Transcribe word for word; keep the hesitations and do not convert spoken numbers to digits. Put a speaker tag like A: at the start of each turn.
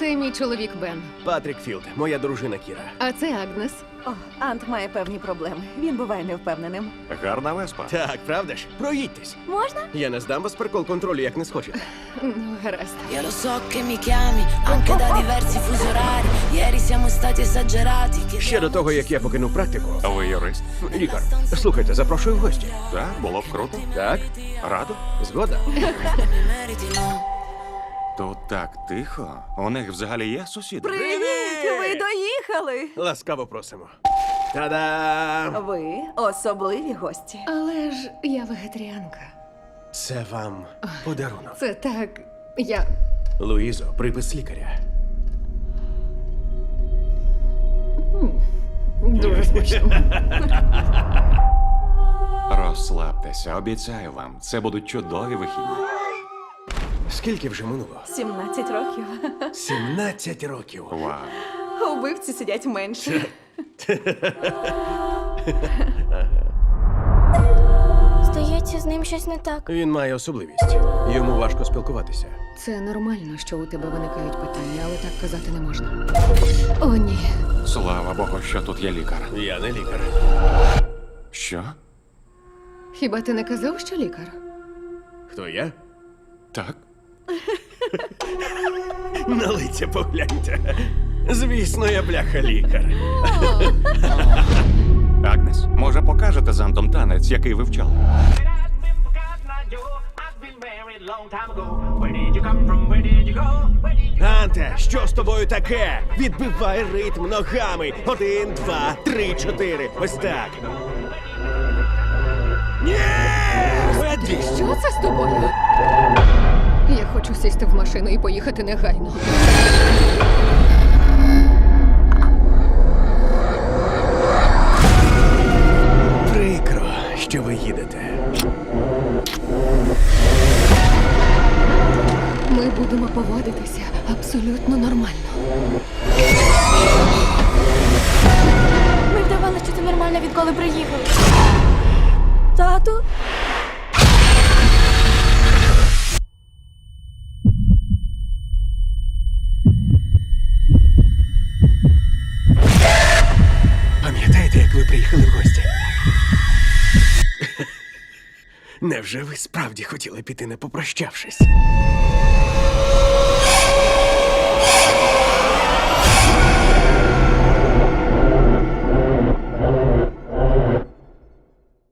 A: Це мій чоловік Бен.
B: Патрік Філд, моя дружина Кіра.
A: А це Агнес.
C: О, Ант має певні проблеми. Він буває невпевненим.
D: Гарна веспа.
B: Так, правда ж? Проїдьтесь.
C: Можна?
B: Я не здам вас прикол контролю, як не схочете.
A: Ну, гаразд.
E: Io lo so che mi chiami anche da diversi fusi orari. Ieri siamo stati esagerati.
B: Ще до того, як я покинув практику.
D: Ви юрист?
B: Лікар, слухайте, запрошую в гості.
D: Так, було б круто.
B: Так?
D: Радо?
B: Згода?
E: Meriti, no?
D: Тут так тихо. У них взагалі є сусіди?
C: Привіт! Ви доїхали!
B: Ласкаво просимо. Та-дам!
C: Ви особливі гості.
A: Але ж я вегетаріанка.
B: Це вам подарунок.
A: Це так. Я.
B: Луїзо, припис лікаря.
A: Дуже смачно.
D: Розслабтеся, обіцяю вам. Це будуть чудові вихідні.
B: Скільки вже минуло?
C: сімнадцять років.
B: сімнадцять років.
D: Вау.
C: Убивці сидять менше.
F: Здається, з ним щось не так.
B: Він має особливість. Йому важко спілкуватися.
A: Це нормально, що у тебе виникають питання, але так казати не можна. О, ні.
D: Слава Богу, що тут є лікар.
B: Я не лікар.
D: Що?
A: Хіба ти не казав, що лікар?
B: Хто я?
D: Так?
B: На лиця погляньте. Звісно, я бляха лікар.
D: Агнес, може покажете з Антом танець, який вивчали?
B: Анте, що з тобою таке? Відбивай ритм ногами. Один, два, три, чотири. Ось так. Ні! Веди!
A: Що це з тобою? Я хочу сісти в машину і поїхати негайно.
B: Прикро, що ви їдете.
A: Ми будемо поводитися абсолютно нормально.
F: Ми вдавали, що це нормально, відколи приїхали. Тату?
B: Пам'ятаєте, як ви приїхали в гості? Невже ви справді хотіли піти, не попрощавшись?